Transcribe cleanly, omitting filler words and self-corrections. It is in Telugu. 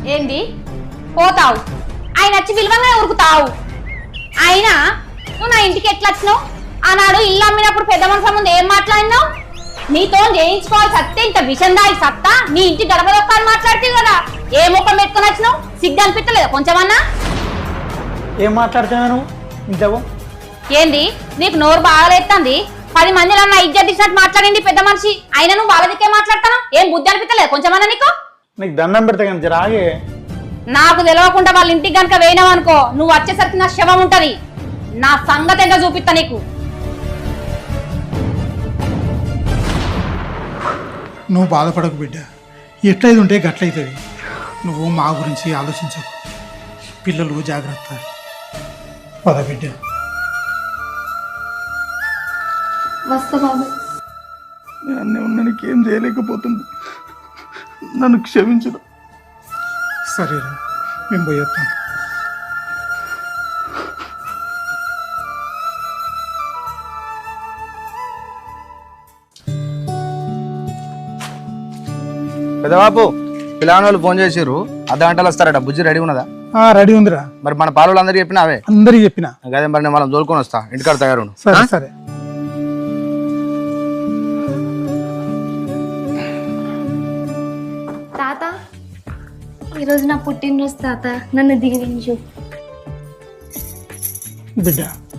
ఏంది పోతావు? ఆయన వచ్చి విలువగానే ఉరుకుతావు. అయినా నువ్వు నా ఇంటికి ఎట్లా వచ్చినావు? ఆనాడు ఇల్లు అమ్మినప్పుడు పెద్ద మనుషుల ముందు ఏం మాట్లాడినావు? నీతో చేయించుకోవాలి సత్తే ఇంత విషం దాయి సత్తా నీ ఇంటి గడప దొక్కాలని మాట్లాడితే కదా ఏ ముఖం పెట్టుకుని వచ్చినావు? సిగ్గు అనిపించలేదా కొంచెమన్నా? ఏం మాట్లాడుతున్నావు ఇంతకు? ఏంది నీకు నోరు బాగాలేస్తుంది? 10 మందిలో నా ఇజ్జత్ ఇచ్చినట్టు మాట్లాడింది పెద్ద మనిషి. అయినా నువ్వు వాళ్ళ దిక్కే మాట్లాడతాను. ఏం బుద్ధి అనిపించలేదు కొంచెమన్నా నీకు? నీకు దండం పెడతా కానీ రాగే. నాకు తెలియకుండా వాళ్ళ ఇంటికి కనుక వేయినావనుకో నువ్వు వచ్చేసరికి నా శవం ఉంటది. నా సంగతి ఎంత చూపిస్తా నీకు. నువ్వు బాధపడకు బిడ్డ, ఎట్లయితే ఉంటే గట్లయితుంది. నువ్వు మా గురించి ఆలోచించకు. పిల్లలు జాగ్రత్త. పద బిడ్డ. వస్తా బాబాయ్. నేను అన్నీ ఉన్నా నీకేం చేయలేకపోతుంది, నన్ను క్షమించదు. సరేరా, మేము పోయేస్తాం. పెద్దబాబు పిల్లగాని వాళ్ళు ఫోన్ చేసారు, అర్ధగంటలు వస్తారట. బుజ్జి రెడీ ఉన్నదా? రెడీ ఉందిరా. మరి మన పాలు అందరికి చెప్పినా అవే? అందరికి చెప్పిన. అదే మరి నేను వాళ్ళని తోలుకొని వస్తా, ఇంటికాడ తయారు. సరే సరే. తాత, ఈరోజు నా పుట్టినరోజు తాత, నన్ను దీవించు. బిడ్డ